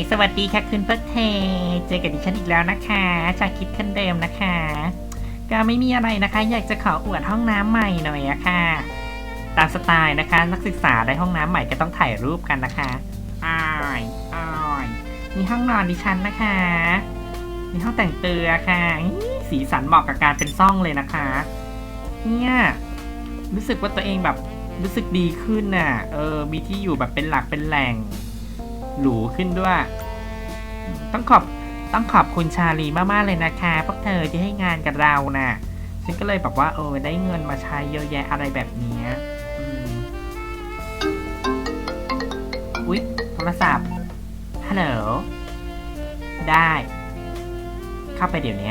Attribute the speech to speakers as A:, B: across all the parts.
A: สวัสดีค่ะคุณเพิร์ทเทเจอกับดิฉันอีกแล้วนะคะชาคิดคนเดิมนะคะก็ไม่มีอะไรนะคะอยากจะขออวดห้องน้ำใหม่หน่อยอะค่ะตามสไตล์นะคะนักศึกษาได้ห้องน้ำใหม่ก็ต้องถ่ายรูปกันนะคะอ้ายนี่ห้องนอนดิฉันนะคะนี่ห้องแต่งเตือค่ะสีสันเหมาะกับการเป็นซ่องเลยนะคะเนี่ยรู้สึกว่าตัวเองแบบรู้สึกดีขึ้นน่ะมีที่อยู่แบบเป็นหลักเป็นแหล่งหรูขึ้นด้วยต้องขอบคุณชาลีมากๆเลยนะคะพวกเธอที่ให้งานกับเราน่ะฉันก็เลยแบบว่าได้เงินมาใช้เยอะแยะอะไรแบบนี้อุ๊ยโทรศัพท์ฮัลโหลได้เข้าไปเดี๋ยวนี้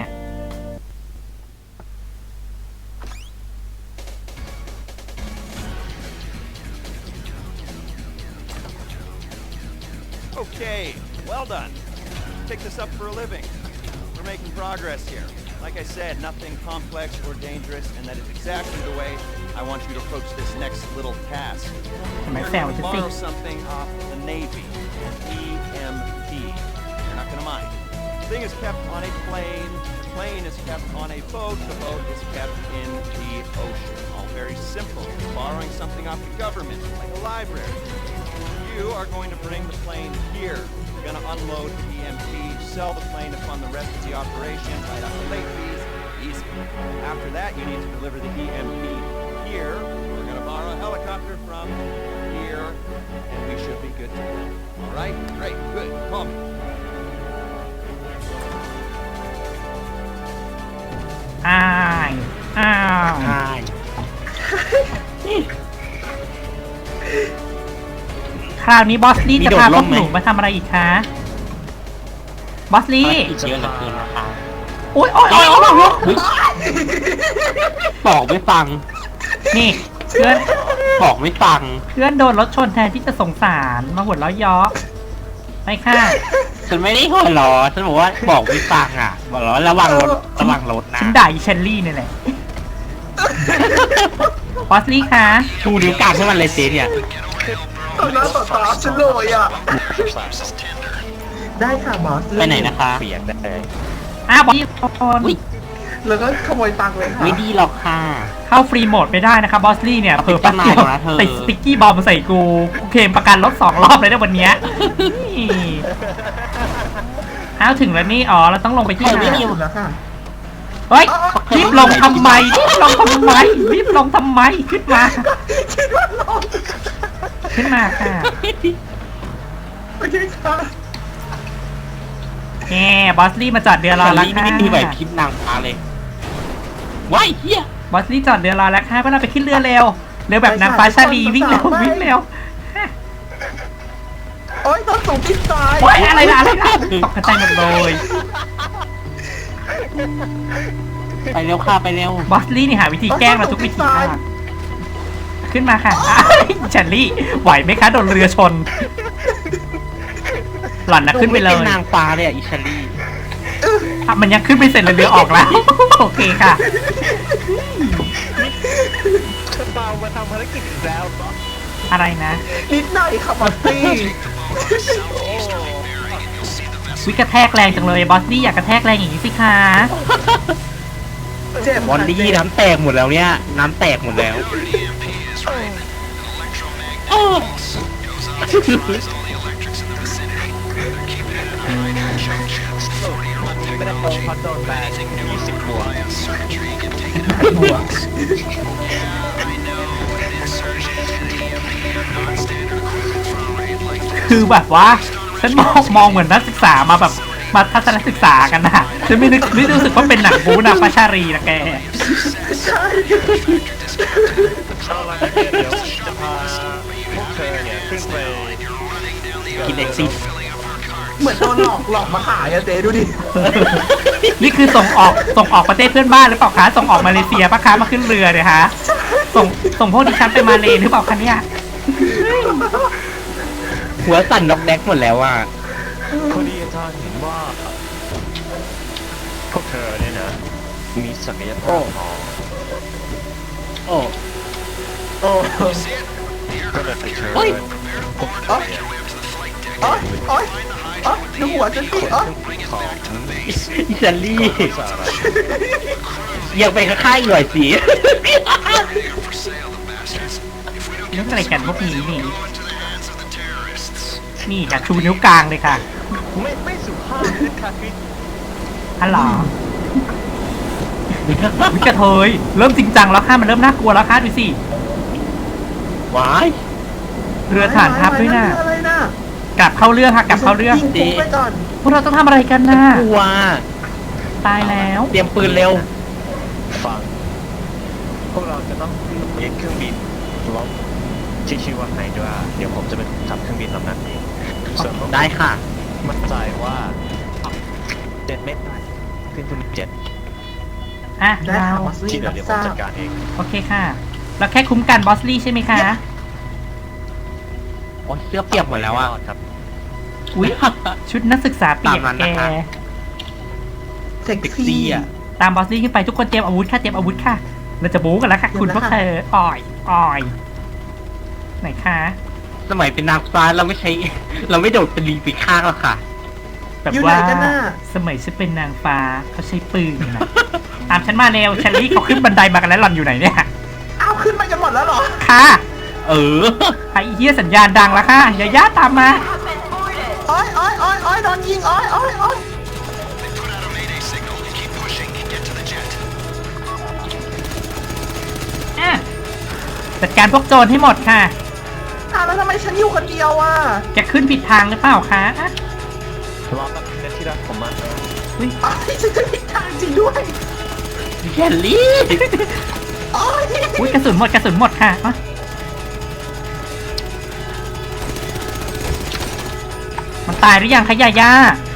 B: Okay, well done. Pick this up for a living. We're making progress here. Like I said, nothing complex or dangerous, and that is exactly the way I want you to approach this next little task. You're going to borrow something off the Navy, EMP. You're not going to mind. The thing is kept on a plane. The plane is kept on a boat. The boat is kept in the ocean. All very simple. You're borrowing something off the government, like a library. You are going to bring the plane here. You're going to unload the EMP, sell the plane to fund the rest of the operation, write off the late fees. Easy. After that, you need to deliver the EMP here. We're going to borrow a helicopter from here, and we should be good to go. All right? Great. Good. Call me.
A: คราวนี้บอสลี่จะพาพวกหนูมาทำอะไรอีกคะบอสลี่
C: เยอะเหลือเกินนะคะ
A: โอ๊ย
C: บอกไม่ฟัง
A: นี่เพื่อน
C: บอกไม่ฟัง
A: เพื่อนโดนรถชนแทนที่จะสงสารมาหัวเราะเยาะไปค่ะ
C: ฉันไม่ได้หัวเราะฉันบอกว่าบอกไม่ฟังอ่ะบอกแล้วระวังรถนะ
A: ฉันด่าอีเชลลี่นี่แหละบอสลี่คะ
C: ชูนิ้วกลางให้มันเลยเจ๊เนี่ย
D: ต่อหน้าต่อตาฉันเลยอ่ะได้ค่ะบอส
C: ไปไหนนะคะเปลี่ยนได้
A: บอสลี่
D: แล้วก็ขโมยตังค์เลยค่ะ
C: ไม่ดีหรอกค่ะ
A: เข้าฟรีโหมดไม่ได้นะคะบอสลี่เนี่ยเผลอแป๊บเดียวติดสติ๊กกี้บอมใส่กูเคลมประกันรถ2 รอบเลยนะวันนี้ถึงแล้วนี่เราต้องลงไปที่ไหนเฮ้ยรีบลงทำไมขึ้นมาค่ะ
D: โอเคค่ะ
A: บอสลี่มาจอดเรือรอแล้วค่ะ
C: ไม่มีแบบคลิปนางฟ้าเลยว้ายเฮีย
A: บอสลี่จอดเรือรอแล้วค่ะเพื่อเราไปขึ้นเรือเร็วแบบนางฟ้าชาลีวิ่งเร็ว
D: โอ๊ยต้นสูงติดตาย
A: อะไรนะตกกระจายหมดเลย
C: ไปเร็วค่ะไปเร็ว
A: บอสลี่นี่หาวิธีแกล้งเราทุกวิธีค่ะขึ้นมาค่ะเชลลี่ไหวไหมคะโดนเรือชนหล่อนนะขึ้นไปเลย
C: เป็นนางฟ้าเลยอิชาลี
A: มันยังขึ้นไม่เสร็จเลยเรือออกแล้วโอเคค่ะ
B: เปามาทำภารกิจอีกแล้ว
A: อะไรนะ
D: นิดหน่อยค่ะบอสลี่
A: วิกระแทกแรงจังเลยบอสลี่อยากกระแทกแรงอย่างนี้สิคะ
C: บอลลี่น้ำแตกหมดแล้วเนี่ยน้ำแตกหมดแล้ว
B: ไม่ได้โกงเขาโดนแบน20 บวก
A: คือแบบว่าฉันมองเหมือนนักศึกษามาแบบมาทัศนศึกษากันนะฉันไม่รู้สึกว่าเป็นหนังบู๊นะปาชารีนะแก
D: ใช่
B: เดี๋ยวจะพาพวกเธอเนี่ยขึ้นไป
C: กินเอ็กซิส
D: เหมือนโดนหลอกมาขายอะเจ๊ดูดิ
A: นี่คือส่งออกประเทศเพื่อนบ้านหรือเปล่าคะส่งออกมาเลเซียปะคะมาขึ้นเรือเนี่ยฮะส่งพวกดิฉันไปมาเลหรือเปล่าคะเนี่ย
C: หัวสั่นนกแดกหมดแล้วอ่ะ
B: พอดีอาจารย์เห็นว่าพวกเธอเนี่ยนะมีศักยภาพก็เลยไปเชิญพวกเธอ
D: โอ๊ยโอ๊ยโอ๊ยดูหัวฉันสิโอ๊ย
C: อิตาลียังไปข้างๆหน่อยสิ
A: เรื่องอะไรกันพวกนี้นี่ นี่ค่ะชูนิ้วกลางเลยค่ะ
B: ไม่สุภาพค่ะคือ
A: ฮัลโหลวิกระเทยเริ่มจริงจังแล้วค่ะมันเริ่มน่ากลัวแล้วค่ะดูสิ
C: ว้าย
A: เรือฐานทัพด้วยนะ
D: เรืออะไรน่ะ
A: กลับเข้าเรื่องค่ะกลับเข้าเรื่อง
D: ยิงปุ๊บไปก่อน
A: พวกเราต้องทำอะไรกันน่ะ
C: กลัว
A: ตายแล้ว
C: เตรียมปืนเร็ว
E: ฟังพวกเราจะต้องยึดเครื่องบินลบที่ชื่อว่าไฮดราเดี๋ยวผมจะเป็นขับเครื่องบินลำนั้นเองส่วนพวก
C: ได้ค่ะ
E: มั่นใจว่าเจ็ดเม็ดได้ขึ้นทุนเจ็ด
A: อ่ะ
D: ได้
A: เรา
D: ค่ะบอส
E: ที่
D: ลี่
E: เหลื
D: รั
E: อบ เดี๋ยวผ
D: ท
E: ม
D: รา
E: จั
D: บ
E: ดการเอง
A: โอเคค่ะเราแค่คุ้มกันบอสลี่ใช่ไหมคะ
C: โอ้ยเสื้อเปียกหมดแล้วอ่ะ
E: รดครับ
A: อุ๊ยชุดนักศึกษาเปียก
C: ตามนั้น
A: แก
C: นะคะ
D: เซ็ก
C: เซ็ก
D: ซี่
C: ซี่อ่ะ
A: ตามบอสลี่ขึ้นไปทุกคนเตรียมอาวุธค่ะเตรียมอาวุธค่ะ เราจะบู๊กันแล้วค่ะ คุณพวกเธออ่อยอ่อยไหนคะ
C: สมัยเป็นนางฟ้าเราไม่ใช้ เราไม่โดดเป็นลีปีข้างหรอกค่ะ
A: แบบ
D: อยู่ไหน
A: ว่า
D: กันน่ะ
A: สมัยฉันเป็นนางฟ้าเขาใช้ปืนนะ ตามฉันมาเร็วเชลลี่เขาขึ้นบันไดมากันแล้วหล่อนอยู่ไหนเนี่ย
D: อ้าวขึ้นมากันหมดแล้วเหรอ
A: ค่ะ
C: เออ
A: ไอ้เหี้ยสัญญาณดังแล้วค่ะอย่าย่าตามมา
D: โอ๊ยโอ๊ยโอ๊ยโอ๊ยโดนยิงโอ๊ยโอ๊ยโอ๊ย
A: อ่ะจัดการพวกโจรให้หมดค่ะ
D: อ้าวแล้วทำไมฉันอยู่คนเดียวอ่ะ
A: แกขึ้นผิดทางหรือเปล่าคะอ่ะ
E: รอแป๊บนึงนะที่รักผมมาแล้ว
A: อุ๊ย
D: โอ๊ยฉันจะผิดทางจริงด้วย
C: แคลลี่
D: โอ๊ย
A: อุ๊ยกระสุนหมดกระสุนหมดค่ะอ่ะมันตายหรือยังคะย่าย่า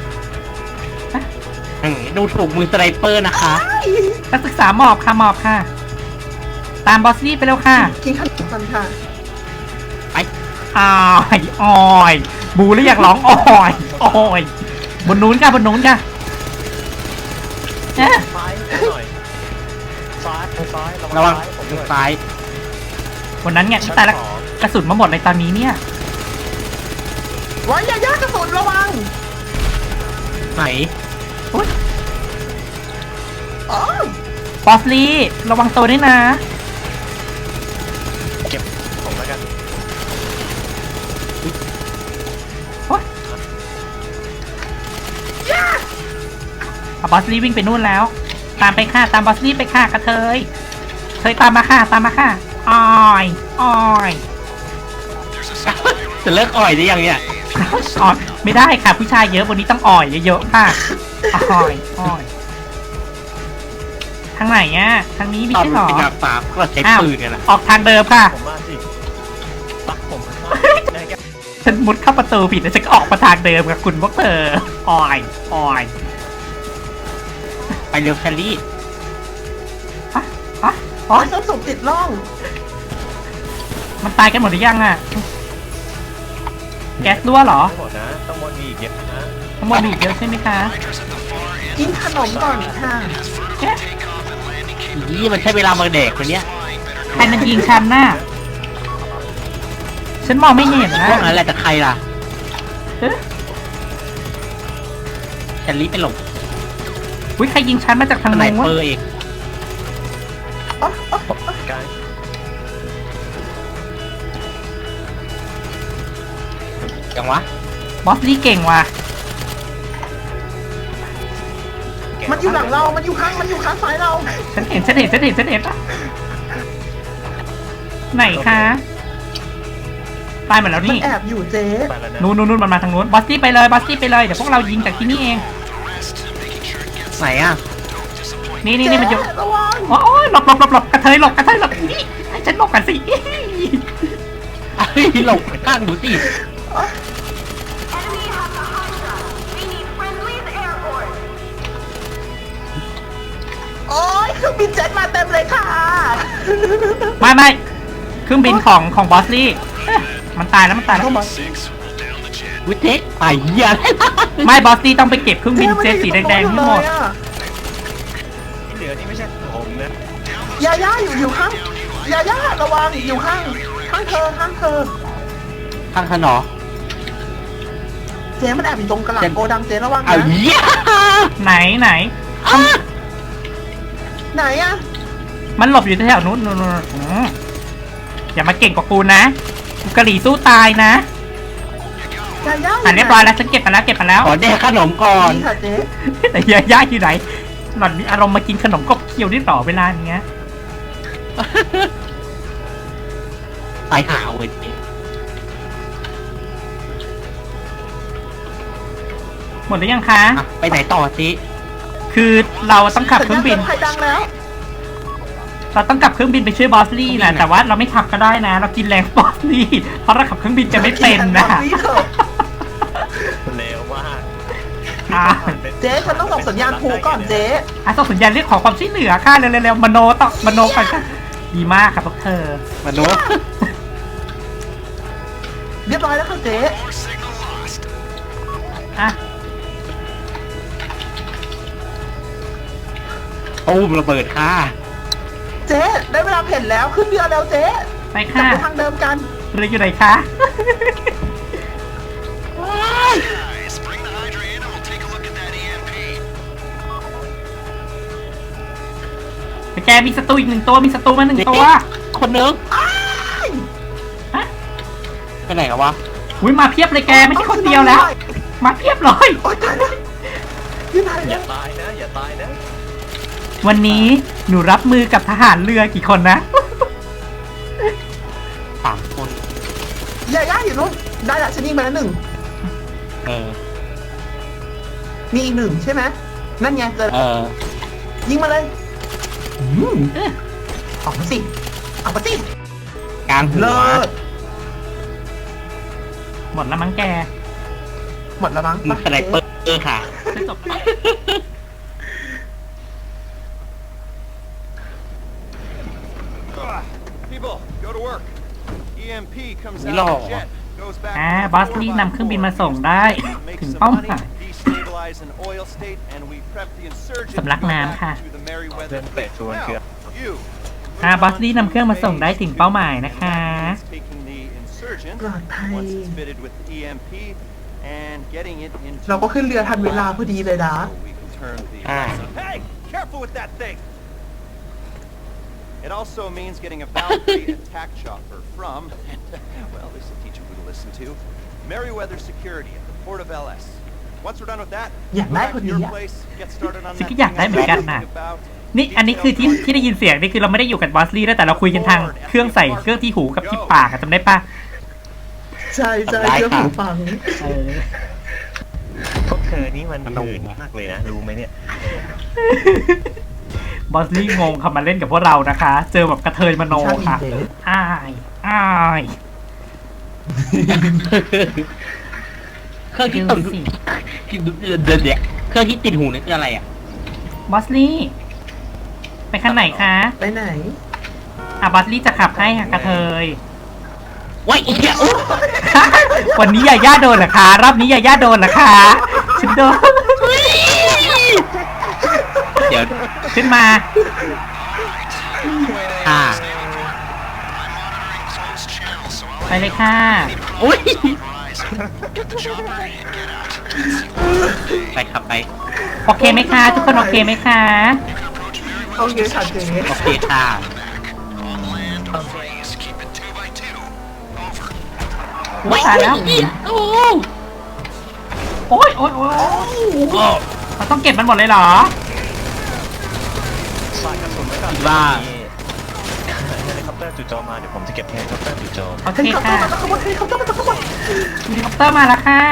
C: ดูถูกมือสไนเปอร์นะคะ
A: นักศึกษาหมอบค่ะหมอบค่ะ ตามบอสลี่ไปแล้วค่ะ
D: กินขนมกันค่ะ
A: อ้ายอ้อยบูแล้วอยากร้องอ้อยอ้อยบนนู้นค่ะบนนู้นค่ะเอ๊ะ
E: ซ้ายหน่อยซ้ายซ้าย
C: ระวัง
E: ซ้ายผมด้วย
C: ซ้าย
A: วันนั้นไงตายแล้วกระสุนมาหมดเลยตอนนี้เนี่ย
D: ไว้อย่าย่ากระสุนระวัง
C: ไหน
D: โอ๊ย
A: บอสลี่ระวังตัวด้วยนะ
E: เก็บผมแล้วกัน
A: บอสลี่วิ่งไปนู่นแล้ว ตามไปค่ะตามบอสลี่ไปค่ะกระเทยเทยตามมาค่ะตามมาค่ะอ้อยอ้อย
C: จะเลิกอ่อยได้ยังเนี่ย
A: อ้อยไม่ได้ค่ะผู้ชายเยอะวันนี้ต้องอ่อยเยอะๆค่ะอ้อยอ้อยทางไหนอ่ะทางนี้ไม่
C: ตอน
A: ใช่
C: มั
A: หรอ
C: นเป็นนางฟ้าก็ใช้
A: อ้าว
C: ปืนกันนะ
A: ออกทางเดิมค่ะ
E: ผมมาสิปักผมได้แค่
A: ฉันมุดเข้าประตูผิดแล้วฉันก็ออกมาทางเดิมกับคุณพวกเธออ่อยอ่อย
C: ไปเร็วแคลลี่
A: อ่ะอ๋
D: โอ๊
A: อย
D: ส้นสูงติดร่อง
A: มันตายกันหมดหรือยังอ่ะ แก๊สรั่วเหรอ
E: ไม่หมดนะต้องวนมีอีกเยอะนะ
A: ทั้งหมดมีอีกเยอะใช่ไหมคะ
D: กินขนมก่อนค่ะ
A: เอ๊ะ
C: นี่มันใช้เวลามาเด็กคนเนี้ย
A: ใครมันยิงฉันน่ะ ฉันมองไม่เห็นนะ
C: พวกนั้นแหละแต่ใครล่ะ
A: เอ๊ะ
C: แคลลี่ไปหลบ
A: อุ้ยใครยิงฉันมาจากทาง
C: สไน
A: โน้น
C: เปอร์เอง
E: กาย
C: ยังวะ
A: บอสลี่เก่งว่ะ
D: มันอยู่หลังเรา มันอยู่ข้างซ้ายเรา
A: ฉันเห็นอะไหนคะตายหมดแล้ว
D: มัน
A: นี่
D: แอบอยู่เจ๊
E: ไปแล้วนะ
A: นู่นมันมาทางนู้นบอสลี่ไปเลยเดี๋ยวพวกเรายิงจากที่นี่เอง
C: ไหนอ่ะ
A: นี่มันอยู่
D: เจ๊ระวัง
A: โอ้ยหลบกระเทยหลบนี่ให้ฉันหลบกันสิ
C: เฮ้ยหลบข้างดูสิ
F: Enemy has the Hydra. We need friendlies airborne.
D: โอ๊ยเครื่องบินเจ็ตมาเต็มเลยค่ะ
A: ไม่เครื่องบินของบอสลี่เอ๊ะมันตายแล้ว
D: เข้ามา
C: วิเทคไอ้เหี้ย
A: ไม่บอสลี่ต้องไปเก็บเครื่องบินเจ็ตสีแดงๆให้หมด
E: ที่เหลือนี่ไม่ใช่ผมนะ
D: ยาย่าอยู่ข้างยาย่าระวังอยู่ข้างเธอ
C: ข้างขนอ
D: เจ๊มันแอบอยู่ตรงกระหลังโกดังเจ๊ระวัง
C: เอา
D: นะ
C: เหี้ย
A: ไหน
D: ไหนอะ
A: มันหลบอยู่แถวนู้นอย่ามาเก่งกว่ากูนะกูกะหรี่สู้ตายนะ
D: ยาย่า
A: เรียบร้อยแล้วฉันเก็บมาแล้ว
C: ขอแดกขนมก่อน
D: นี่ค่ะเจ๊
A: แต่ยาย่าอยู่ไหนหล่อนมีอารมณ์มากินขนมกบเคี้ยวได้ต่อเวลาเนี้ย
C: ตายหาเว้ย
A: หมดหรือยังคะ
C: อ่ะไปไหนต่อสิ
A: คือเราต้องขับเครื่องบิน
D: ใครดังแล้ว
A: เราต้องขับเครื่องบินไปช่วยบอสลี่นะแต่ว่าเราไม่ขับก็ได้นะ เรากินแรงบอสลี่เพราะเราขับเครื่องบินจะไม่เป็นนะ
D: นี่เถอะ
E: เร็วมาก
A: อ่ะ
D: เจ๊ฉันต้องส่งสัญญาณผูก่อนเจ๊
A: ส่งสัญญาณเรียกขอความช่วยเหลือค่ะเร็วๆมโนต่อมโนไปค่ะดีมากครับพวกเธอ
C: มนุษย์
D: เรียบร้อยแล้วค่ะเจ๊
A: อ่ะ
C: ตูมระเบิดค่ะ
D: เจ๊ได้เวลาเพ่นแล้วขึ้นเรือแล้วเจ๊
A: ไป
D: กลับ
A: ค่ะ
D: ไปทางเดิมกัน
A: เรืออยู่ไหนคะ
B: Guys, bring the Hydra in and we'll take a look at that EMP.
A: แต่แกมีศัตรูอีกหนึ่งตัวมีศัตรูมาหนึ่งตัว
C: คนนึง
A: ฮะ
C: ไปไหนกันวะ
A: อุ้ยมาเพียบเลยแกไม่ใช่คนเดียวแล้ว มาเพียบเลย
D: โอ๊ยตายแล้วอยู่ไหน
E: อย่าตายนะ อย่าตายนะ
A: วันนี้หนูรับมือกับทหารเรือกี่คนนะ
C: 3 คน
D: ยาย่าอยู่นู้นได้ละฉันยิงไปแล้วหนึ่ง
C: เออ
D: มีอีกหนึ่งใช่ไหมนั่นไงเจอ
C: เออ
D: ยิงมาเลยออกมาสิออกมาสิ
C: กลางหัว
D: เลิศ
A: หมดแล้วมั้งแก
D: หมดแล้วมั้ง
C: มีสไนเปอร์ค่ะ
A: จะจบ
B: People, go to work. EMP comes
C: Ni
B: out
C: lo.
B: of the jet, goes back
A: บอสลี่นำเครื่องบินมาส่งได้
B: make
A: ถึง
B: some
A: เป้าห
B: money,
A: มาย
B: destabilize an oil state, and we prep the insurgents
A: สำลัก
B: to go
A: น้ำ
B: back
A: ค่ะ
B: to the Merryweather
E: เดินเตะชวน
B: Now,
E: เกือบ
B: you.
A: บอสลี่นำเครื่องมาส่งได้ถึงเป้าหมายนะคะ
B: Taking the insurgent
D: ปลอดภัย
B: once it's fitted with the EMP and getting it into
D: เราก็ขึ้นเรือทันเวลาพอดีเลยนะ
B: so we can turn the
C: Ah.
B: Hey, careful with that thing. It also means getting a Valkyrie attack chopper from, well, this will teach you who to listen to, Merryweather Security at the port of LS. Once we're done with that,
D: Yeah,
B: go back to
D: Michael,
B: your
D: yeah.
B: place, get started on
A: สิ่ง
B: that
A: ที่อยาก
B: thing
A: ได้
B: I
A: เหมือนกัน
B: was
A: น่ะ
B: talking about.
A: นี่อันนี้คือที่ได้ยินเสียงนี่คือเราไม่ได้อยู่กับบอสลี่แล้วแต่เราคุยกันทางเครื่องใส่เครื่องที่หูกับที่ปากอะจำได้ปะ
D: ใช่ใช่
C: ได้
D: เรื่อง
C: ค่ะ
D: หูฟัง
E: พวกเธอนี่มันหื่นมากเลยนะ รู้ไหมเนี่ย
A: บอสลี่งงค่ะมาเล่นกับพวกเรานะคะ เจอแบบกระเทยมโนค่ะอ้ายอ้าย
C: เครื่องที่
A: ดู
C: ติด
A: สิ
C: เดี๋ยวเครื่องที่ติดหูนี่คืออะไรอ่ะ
A: บอสลี่ไปขั้นไหนคะ
D: ไปไหน
A: บอสลี่จะขับให้ค่ะกระเทย
C: ว้ายอีกแล้ว
A: วันนี้ยาย่าโดนเหรอคะรอบนี้ยาย่าโดนเหรอคะฉันโดน
C: เดี๋ยว
A: ขึ้นมา
C: ค่ะ
A: ไปเลยค่ะ
C: อุ้ยไปขับไป
A: โอเคไหมคะทุกคนโอเคไหมคะ
D: โอเคค่ะเจ๊
C: โอเคค่ะ
A: ไม่ตายแล้ว
C: โอ้
A: โอ๊ยโอ๊ยโอ๊ย
C: โอ้
A: เราต้องเก็บมันหมดเลยเหรอ
E: สายกระสุนไว้ก่อน
C: ว่า
E: เฮลิคอปเตอร์จู่โจมมา เดี๋ยวผมจะเก็บเฮลิคอปเตอร์จู่โจม
A: โอเค
D: เฮลิคอปเตอ
A: ค่ะ
D: ร์มาแล้วขบวนเฮลิคอปเตอร์มาแล้วขบวน
A: เฮลิคอปเตอร์มาแล้วค่ะ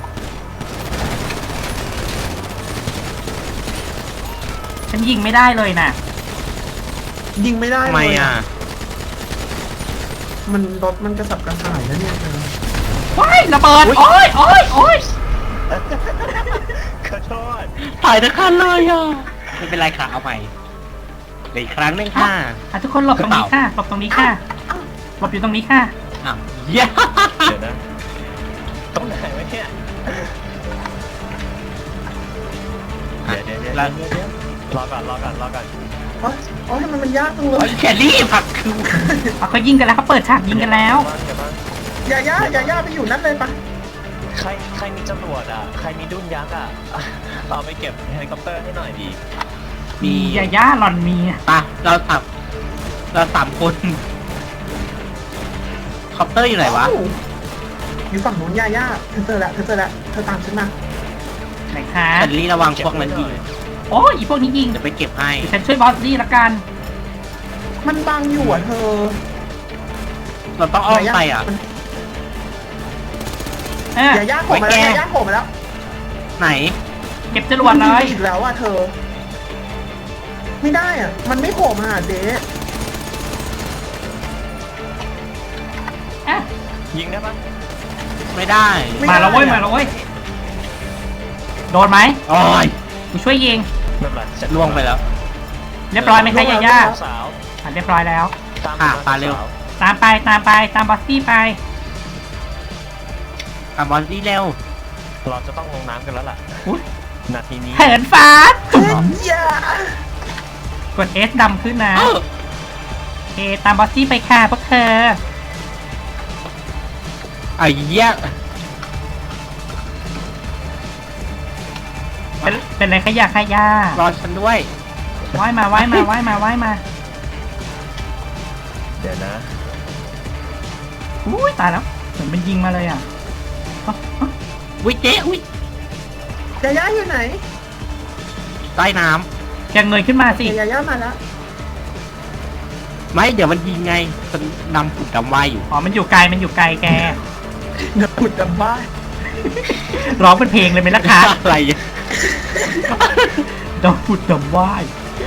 A: ฉันยิงไม่ได้เลยน่ะ
D: ยิงไม่ได้
C: ทำไม
D: เลย
C: อ่ะ
D: มันรถมันกระสับกระส่ายแล้วเนี่ยเธอ
A: ว้ายระเบิด โอ๊ยโอ๊ยโอ๊ย
E: ขอโทษ
C: ถ่ายทั้งคันเลยอ่ะ ไม่เป็นไรค่ะ เอาใหม่เดี๋ยวอีกครั้งหนึงค่ะ
A: ทุกคนหลบตรงนี้ค่ะ หลบตรงนี้ค่ะ หลบอยู่ตรงนี้ค่ะ
C: อ้าวเย้
E: เดี๋ยวนะตรงไหนวะเนี่ยเดี๋ยวรอก่อน
D: โอ๊ยโอ๊ยทำไมมันยากจังเล
C: โอ้
D: ย
C: ยแครี่ผักคือ
A: เขายิงกันแล้วเขาเปิดฉากยิงกันแล้ว
E: เดี๋ยวบ้าง
D: อย่าย่าไปอยู่นั่นเลยปะ
E: ใครมีจรวดอ่ะ ใครมีดุ้นยักษ์อ่ะ เอาไปเก็บเฮลิคอปเตอร์ให้หน่อยดี
A: มียาย่าหลอนมีอะ
C: ปะเราสามคนคอปเตอร์อยู่ไหนวะ
D: เอ้าอยู่ฝั่งนู้นย่าเธอเจอแล้วเธอตามฉันมา
A: ไหนคะ
C: แอนลี่ระวังพวกนั้นยิง
A: โอ้ยอีพวกนี้ยิง
C: จะไปเก็บให้
A: เดี๋ยวฉันช่วยบอสซี่ละกัน
D: มันบังอยู่อ่ะเธอ
C: เราต้องอ้อมไปอ่ะ
D: ย่าโผล่มาแล้วย่าโผล่มาแล้ว
C: ไหน
A: เก็บจรวดเลย
D: อีกแล้วอ่ะเธอ ไม่ได้อ่ะ มันไม่โผล่มาหาเจ๊
A: อ่ะ
E: ยิงได้ปะ
C: ไม่ได้
A: มาแล้วเว้ยมาแล้วเว้ยโดนไหม
C: โอ้ย
A: กูช่วยยิง
E: ไม่เป็นไรจะ
C: ล่วงไปแล้ว
A: เรียบร้อยไหมคะยาย่า
E: สาว
A: อ่ะเรียบร้อยแล้ว
E: ตาม
C: ค่ะปาเร็ว
E: สาว
A: ตามไปตามบอสซี่ไป
C: กับบอลลี่เร็ว
E: เราจะต้องลงน้ำกันแล้วล่ะ
A: อุ๊ย
E: นาทีนี้
A: เหินฟ้า
D: ย่าก
A: ด S ดำขึ้นนะ
C: เออ
A: โอเคตามบอสซี่ไปค่ะพวกเธอ
C: ไอ้เหี้ย
A: เป็นไรขยะขยะ
C: รอฉันด้วย
A: ว่ายมา
E: เดี๋ยวนะ
A: อุ้ยตายแล้วเหมือนมันยิงมาเลยอ่ะอ๊ะอ๊ะ
C: วิเจ๊วิ
D: ย่าอยู่ไหน
C: ใต้น้
A: แกเงยขึ้นมาสิ
D: ย่ามาแล้ว
C: ำไม่เดี๋ยวมันยิงไงฉันนำผุดดำว่ายอยู่
A: อ๋อมันอยู่ไกลแก
D: เดี๋ยวขุดดำบ้าน
A: ร้องเป็นเพลงเลยไหมล่ะคะ
C: อะไรอ่ะ
A: ดำผุดดำว่าย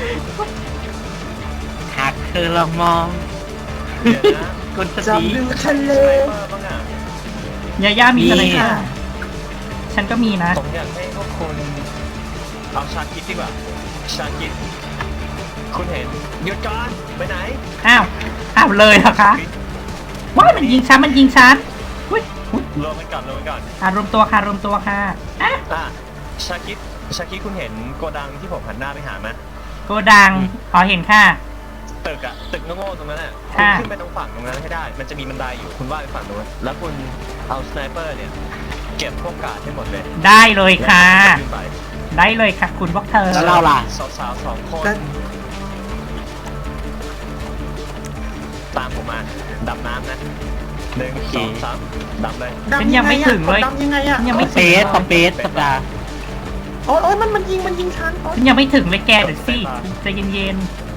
C: หากเธอลองมอง
E: เดี๋ยวนะ
C: คนส
D: จับ
C: ติ
D: ดูทะเล
E: สไนเปอร์บ้างอ่ะ
A: ยาย่ามีอะไร
C: มี
A: ค่ะ ฉันก็มีนะ
E: ผมอยากให้พวกคุณเอาชาคิดดีกว่า ชาคิด คุณเห็นหยุดก่อนไปไหน
A: อ้าวเลยเหรอคะว้ายมันยิงฉันอุ้ย
E: รวมกันก่อน
A: รวมตัวค่ะอ่ะ
E: อ่ะชาคิดคุณเห็นโกดังที่ผมหันหน้าไปหาไหม
A: โกดังขอเห็นค่ะ
E: ตึกโง่ๆตรงนั้นอ่ะคุณ
A: ค่ะ
E: ขึ้นไปตรงฝั่งตรงนั้นให้ได้ มันจะมีบันไดอยู่คุณว่าไปฝั่งนู้นแล้วคุณเอาสไนเปอร์เนี่ย เก็บพวกกาดให้หมดเลย
A: ได้เลยค่ะ
E: แล้วขึ้นไป
A: ได้เลยค่ะคุณพวกเธอ
C: แล้วเราล่ะ
E: สาวๆสองคน
D: แล้ว
E: ตามผมมาดำน้ำนะ1 2 3ดำเลย
A: ฉันยังไม่ถึงเลย
D: ดำยังไงอ่ะ
A: ยังไม่
C: สเปซสัปดาห์
D: โอ้ยมันยิงฉัน
A: ฉันยังไม่ถึงเลยแกเดี๋ยวสิใจเย็น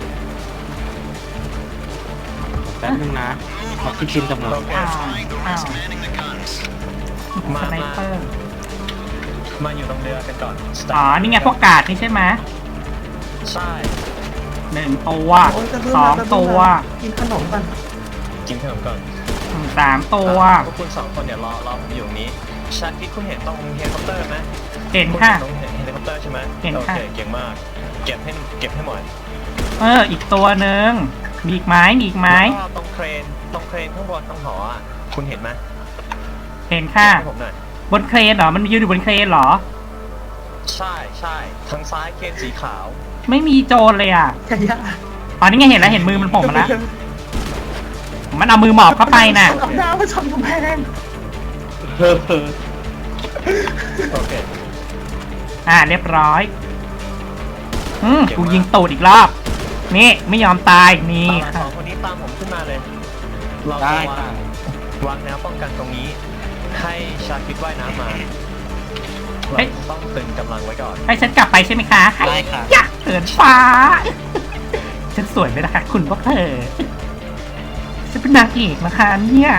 C: แป๊บนึงนะขอคิดชินจำนวน
E: โอเค
A: ๆอ้าวส
E: มา
A: ไนเปอร์
E: มาอยู่ตรงเรือกันก่อน
A: อ๋อ นี่ไงพวกกาดนี่ใช่ไหม
E: ใช่
A: 1 ตัว
D: โอ้ยจะเพิ่ม
A: 2 ตัว
D: กินขนมก่อน
E: กินขนมก่อน
A: 3 ตัว
E: พวกคุณ2คนเดี๋ยวรอผมอยู่ตรงนี้ชาคิดคุณเห็นตรงเฮลิคอปเตอร์ไหม
A: เห็นค่ะ
E: ณเห็นตรงเฮลิคอปเตอร์ใช่ไหม
A: เห็น
E: โอ
A: ค่ะ
E: เคเก่งมาก เก็บให้หมด
A: อีกตัวหนึ่งมีอีกไหม
E: แล้วก็ตรงเครนข้างบนตรงหออ่ะคุณเห็นไหม
A: เห็นค่ะ
E: เก็บให้ผมหน่อย
A: บนเครนเหรอ มันยืนอยู่บนเครนเหรอ
E: ใช่ทางซ้ายเครนสีขาว
A: ไม่มีโจรเลยอ่ะ
D: ย่า
A: อ๋อ นี่ไงเห็นแล้วเห็นมือมันโผล่มาแล้ว มันเอามือหมอบเข้าไปน่ะ
D: กับดาวมาชนกำแพง
C: เพ้อเพ้อ
E: โอเค
A: เรียบร้อย กูยิงตูดอีกรอบ นี่ไม่ยอมตาย นี่
E: ส
A: ค่ะ
E: องคนนี้ตามผมขึ้นมาเลย เรา
C: ได้
E: จะ
C: ค่ะ
E: วางแนวป้องกันตรงนี้ ให้ชาคิดว่ายน้ำมา
A: เฮ้
E: เรา
A: ย
E: ต้องตึงกำลังไว้ก่อน
A: ให้ฉันกลับไปใช่ไหมคะ
C: ได้ค่ะ
A: อยากเหินฟ้า ฉันสวยไหมล่ะคะคุณพวกเธอ ฉันเป็นนางเอกนะคะเนี่ย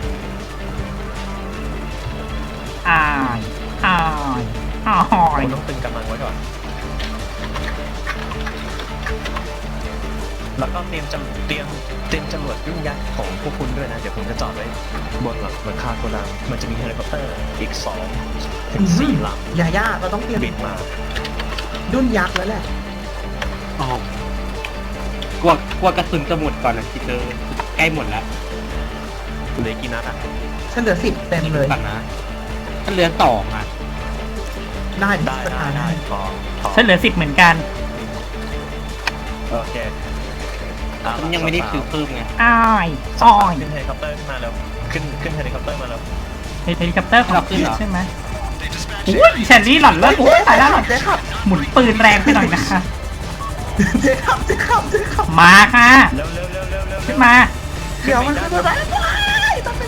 A: อายอายอาย
E: คุณต้องตึงกำลังไว้ก่อน แล้วก็เตรียมจรวดยุ่งยักษ์ของพวกคุณด้วยนะ เดี๋ยวผมจะจอดไว้บนหลังคาโกดัง มันจะมีเฮลิคอปเตอร์อีก2 ถึง 4 ล
D: ย่าเราต้องเตรียม
E: ำบินมา
D: ดุนยักษ์แล้วแหละ
C: อ๋อกลัวกระสุนจะหมดก่อนนะคิดเลยใกล้หมดแล้ว
E: เหลือกี่นัดอ่ะ
D: ฉันเหลือ10เต็มเลย
C: ก่อนนะถ้าเหลือ2อ่ะ
D: ได้
E: ได้พอ
A: ฉันเหลือ10เหมือนกัน
E: โอเคเอา
C: ฉัน
E: ละ
C: ยังไม่ได้
E: สาวๆ
C: ซื้อเพิ่มไง
A: อาย
E: สา
A: อาว
E: ๆ
A: ย
E: ขึ้นเฮลิคอปเตอร์ขึ้นมาแล้วขึ้นเฮลิคอปเตอร์มาแล้ว
A: เฮลิคอปเตอร์ของ
C: เราขึ้น
A: พี่
C: เหรอ
A: ใช่ไหมอุ้ยแชนลี่หล่อนเลิศ
D: โอ้ย
A: ตายแล้วหล่อน
D: เจ๊ขับ
A: หมุนปืนแรงไปหน่อยนะคะ
D: เจ๊ขับเจ๊ขับเจ๊ขับ
A: มาค่ะ
E: เร็วเร็วเร็วเร็วเร็ว
A: ขึ้นมา
D: เดี๋ยวมันจะไปตัด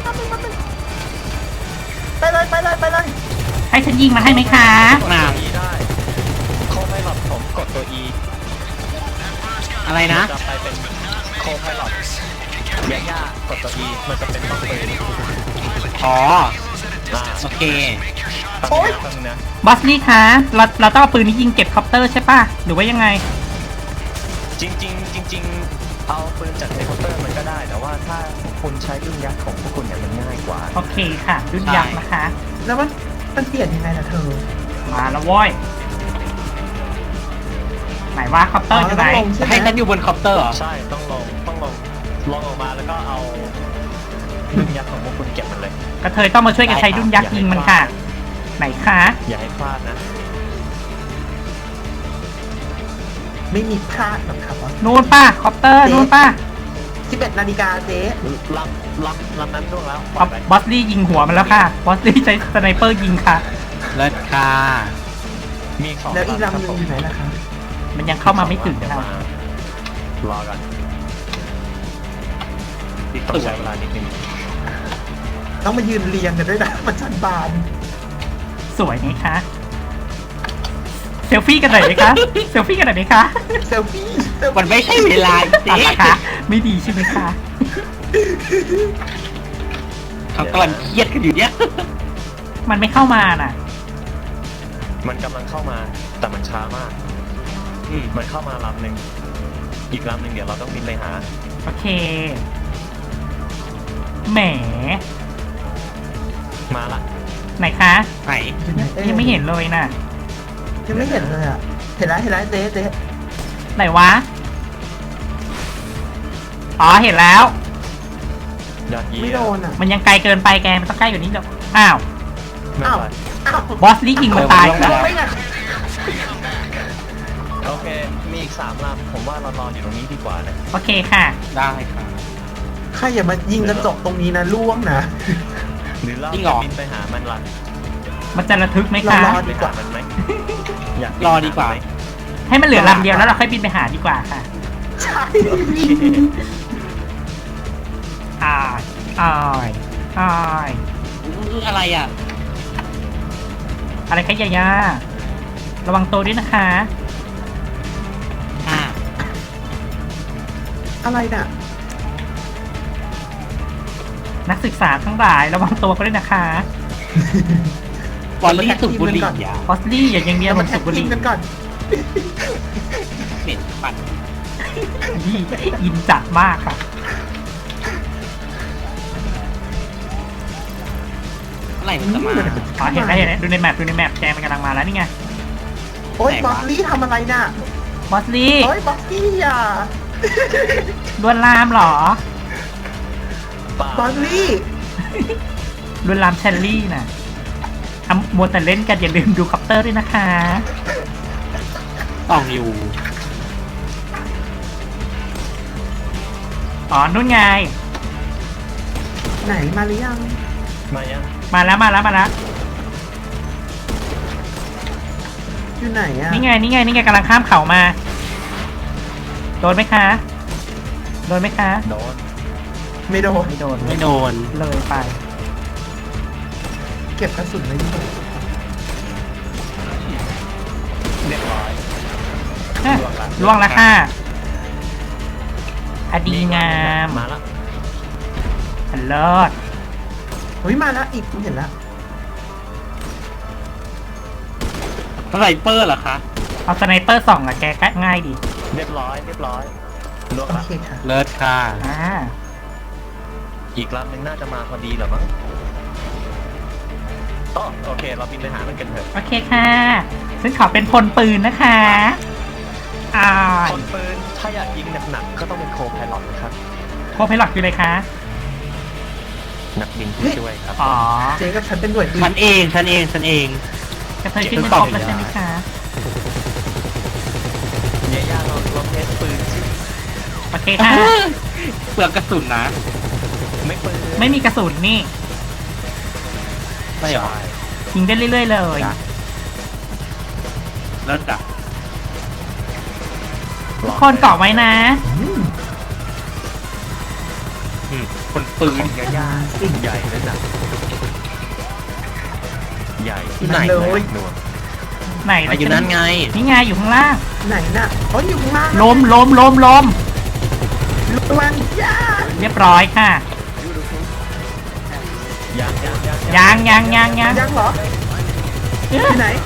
D: ไปเลย
A: ให้ฉันยิงมันให้ไหมคะ
E: กดตัว E ได้โคไพลอตผมกดตัว E
C: อะไรนะ
E: จะไปเป็นโคไพลอตย่ากดตัว E มันจะเป็นของปืน
C: อ๋อ
E: อ่า
C: โอเค
E: โอ้ยฟังนะ
A: บอสลี่คะเราต้องเอาปืนนี้ยิงเก็บคอปเตอร์ใช่ป่ะ หรือว่ายังไง
E: จริงเอาปืนจากเฮลิคอปเตอร์มันก็ได้ แต่ว่าถ้าคุณใช้รุ่นยักษ์ของพวกคุณเนี่ยมันง่ายกว่า
A: โอเคค่ะรุ่นยักษ์นะคะ
D: แล้วมันเปลี่ยนยังไงล่ะเธอ
A: มาแล้วโว้ยไหนว่าคอปเตอร์อยู่ไหน
D: ต้องลงใช่ไหม
C: ให้ฉันอยู่บนคอปเตอร์เหรอ
E: ใช่ต้องลงลงออกมาแล้วก็เอารุ่นยักษ์ของพวกคุณเก็บมันเลย
A: กระเทยต้องมาช่วยกันใช้รุ่นยักษ์ยิงมันค่ะ ไหนคะ
E: อย่าให้พลาดนะ
D: ไม่มีพลาดหรอกครับว่า
A: นู่นป่ะคอปเตอร์นู่นป่ะ
D: 11 นาฬิกาเจ๊
E: ลำนั้นร่วงแล้ว
A: บอสลี่ยิงหัวมันแล้วค่ะ บอสลี่ใช้สไนเปอร์ยิงค่ะ
C: เลิศค่ะ
E: มีสอง
D: แล้วอีก
E: ครับ
D: ลำหนึงอยู่ไหนล่ะคะ
A: มันยังเข้ามาไม่ถึง
E: เดี๋ยว
A: ค่ะ
E: มารอกันต้องใช้เวลานิดนึง
D: ต้องมายืนเรียงกันด้วยนะ มันชันบาน
A: สวยไหมคะ เซลฟี่กันหน่อยไหมคะ เซลฟี่กันหน่อยไหมคะ
D: เซลฟี่
C: มันไม่ใช่เวลาจ
A: ตัด
C: ริง
A: ราคาไม่ดีใช่ไหมคะ
C: เขากำลังเครียดกันอยู่เนี่ย
A: มันไม่เข้ามาน่ะ
E: มันกำลังเข้ามาแต่มันช้ามาก มันเข้ามาลำหนึ่งอีกลำหนึ่งเดี๋ยวเราต้องบินไปหา
A: โอเค แหม
E: มาละ
A: ไหนคะ
C: ไหน
A: ยังไม่เห็นเลยน่ะ
D: ยังไม่เห็นเลยอ่ะ เห็นแล้วเจ๊
A: ไหนวะ อ๋อเห็นแล้ว
E: ยอดเยี่ย
D: ไม่โดนอ่ะ
A: มันยังไกลเกินไปแก มันต้องใกล้กว่านี้เดี๋ยวอ้าว
E: ไม่
D: อ้าว
E: เป็นไร
D: อ้าว
A: บอสลี่ยิงมันตาย
D: โด
A: แล้ว
D: นไม่ไง
E: โอเค มีอีก3ลำผมว่าเรารออยู่ตรงนี้ดีกว่านะ
A: โอเคค่ะ
C: ได้ค่ะ
D: ใครอย่ามายิงกระจกตรงนี้นะล่วงนะ
E: หรือเรา
C: จริงเหร
E: จะ
C: อ
E: บินไปหามันล่ะ
A: มันจะระทึกไหมคะ
D: เรารอ
E: ไปหามันไหมอยากบิน
C: รอดีกว่า
E: หไหม
A: ให้มันเหลือลำเดียวแล้วเราค่อยบินไปหาดีกว่าค่ะ
D: ใช่
E: โอเค
A: อ้ายอ้ายอ้าย
C: อะไรอ่ะ
A: อะไรคะยาย่าระวังตัวด้วยนะคะ
C: อ่า
D: อะไรน่ะ
A: นักศึกษาทั้งหลายระวังตัวกันด้วยนะคะ
C: บอลลี่สุบุหรีอ่ะ
A: บอสลี่อย่ายังเดียว
D: เรา
A: เหมื
D: มา
A: อน
D: แท็
A: สุ
D: ก
A: บุห
D: ที
A: รี
D: มกันก่อน
C: เหม็นปั่น
A: นี่อินจัดมากค่ะ
C: เมื่อไหร่มันจะมา
A: อ๋อเห็นแล้วดูในแมปแกมันกำลังมาแล้วนี่ไง
D: โอ๊ย
C: ไหน
D: บอ
C: วะ
D: สลี่ทำอะไรน่ะ
A: บอสลี่
D: โอ๊ยบอสลี่อ่ะ
A: ลวนลามเหรอ
D: บอสลี่
A: ลวนลามเชลลี่น่ะทำมัวแต่เล่นกันอย่าลืมดูคอปเตอร์ด้วยนะคะ
C: ต้องอยู่
A: อ๋อนู่นไง
D: ไหนมาหรือยัง
E: มายัง
A: มาแล้ว
D: อยู่ไหนอ่ะ
A: นี่ไงกำลังข้ามเขามา โดนไหมคะ
E: โดน
D: ไม่โดน
A: ไม่โดน
C: ไม่โดน
A: เลยไป
D: เก็บกระสุนไว้ดีกว่า
E: เรียบร้อย
A: ฮะ
E: ล่
A: ล่ว
E: ว
A: ง
E: ง
A: แล้ว
E: ละ
A: ค่ะอดีงาม
E: มาละ
A: อันเลิศ
D: เฮ้ยมาแล้วอีกผมเห็นแล้ว
C: สไนเปอร์เหรอคะ
A: เอาสไนเปอร์ส่องอะแกก็ง่ายดี
E: เรียบร้อยล่วง
D: โอ
E: ละ
D: เคค่ะ
C: เลิศค่ะ
A: อ่า
E: อีกลำหนึ่งน่าจะมาพอดีเหรอมั้งอ๋อโอเค เราบินไปหามันกันเถอะ
A: โอเคค่ะซึ่งขอเป็นพลปืนนะคะอ่า
E: คนปืนถ้าอยากยิงหนักๆก็ต้องเป็นโคไพลอตนะครับ
A: โคไพลอตคืออะไรคะ
E: นักบินผู้ช่วยครับ
A: อ๋อ
D: เจ๊กับฉันเป็นหน่วยดี
C: ฉันเอง ฉันเอง
A: กระเทยขึ้นเป็นครบแล้วใช่ไหมคะ
E: ย่าเราเทสปืนสิ
A: โอเคค่ะ
C: เปลือกกระสุนนะ
E: ไม่ปืน
A: ไม่มีกระสุนนี่
C: ช่หรอ
A: ยิงได้เรื่อยๆเลย
C: จ้ะ แล้วจ้ะ
A: ทุกคนเกาะไว้นะ
C: คนปืน
E: ยาสิ่งใหญ่เลยนะใหญ่
C: ที่ไหน
D: เลย
E: หน่วง
A: ไหน
C: มาอยู่นั่นไง
A: นี่ไงอยู่ข้างล่าง
D: ไหนน่ะเขาอยู่ข้างล่าง
A: ล้ม
D: ระวังย่า
A: เรียบร้อยค่ะ
E: ยัง
D: ยังเหรอที่ไหน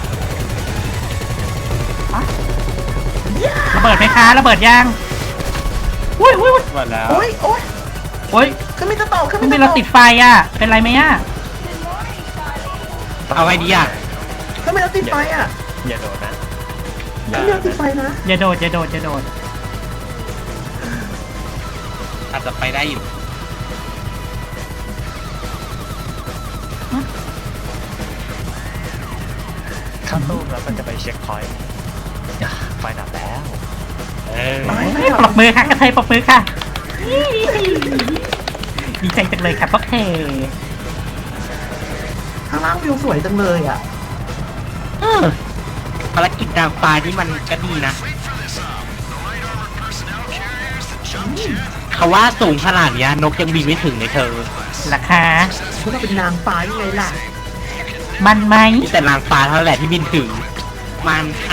D: ย่า
A: ระเบิดไหมคะระเบิดยังอุ้ย
C: หมดแล้ว
D: โอ้ยโอ้ย
A: โอ้ย
D: ขึ้นไม่จะตกขึ้น
A: มัน
D: ไม่
A: มี
D: จะ
A: เรา
D: ต
A: ติ
D: ก
A: ดไฟอ่ะเป็นไรไหมอ่ะ
C: เอาไงดีอ่ะ
D: ขึ้นไม่จะติดไฟอ่ะ
E: อย่าโดดนะ
D: ขึ้นไม่จะติดไฟนะ
A: อย่าโดด
C: อาจจะไปได้อยู่
E: เข้าตู้แล้วมันจะไปเช็คพอยต์ไฟดับแล้ว
C: เออ
A: ปรบมือค่ะกระเทยปรบมือค่ะดีใจจังเลยค่ะพวกเธอ
D: ข้างล่างวิวสวยจังเลยอ่ะ
C: ภารกิจนางฟ้านี่มันก็ดีนะเขาว่าสูงขนาดเนี้ยนกยังบินไม่ถึงเลยเธอ
A: ราคา
D: พวกเราเป็นนางฟ้ายังไงล่ะ
A: มันไหม
C: มีแต่นางฟ้าเท่านั้นแหละที่บินถึง มันค่ะ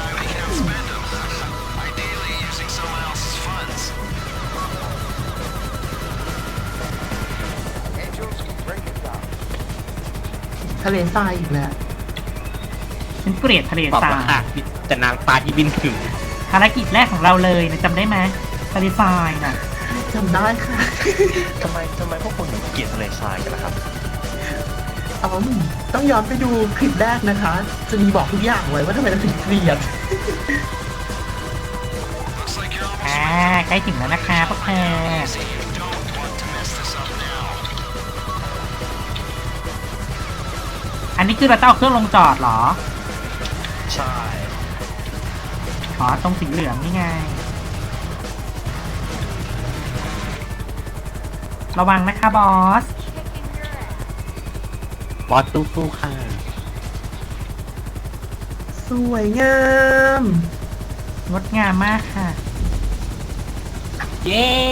D: ทะเลทรายอีกแล้ว
A: ฉันเกลียดทะเล
C: บอก
A: ทรา
C: ว่าย ค่ะมีแต่นางฟ้าที่บินถึง
A: ภารกิจแรกของเราเลยนะจำได้ไหมทะเลทรายน่ะ
D: จำได้ค่ะ
E: ทำไมพวกคุณถึงเกลียดทะเลทรายกันล่ะครับ
D: อ๋อต้องย้อนไปดูคลิปแรกนะคะ จะมีบอกทุกอย่างไว้ว่าทำไมเราถึงเกลียด
A: ใกล้ถึงแล้วนะคะพวกเธออันนี้คือเราต้องเอาเครื่องลงจอดเหรอ
E: ใช่
A: อ๋อตรงสีเหลืองนี่ไง ระวังนะคะบอส
C: บอสตู้ๆค่ะ
D: สวยงาม
A: งดงามมากค่ะ
C: เย้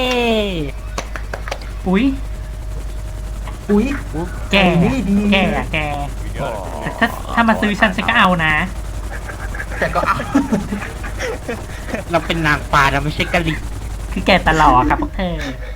A: อุ๊ย
D: อุ๊ย
A: แก
D: นี่ดี
A: แกอะแกแต่ถ้ามาซื้อฉันก็เอานะ
D: แต่ก็เอา
C: เราเป็นนางฟ้าเราไม่ใช่กะลิ
A: คือแกตลอดครับพวกเธอ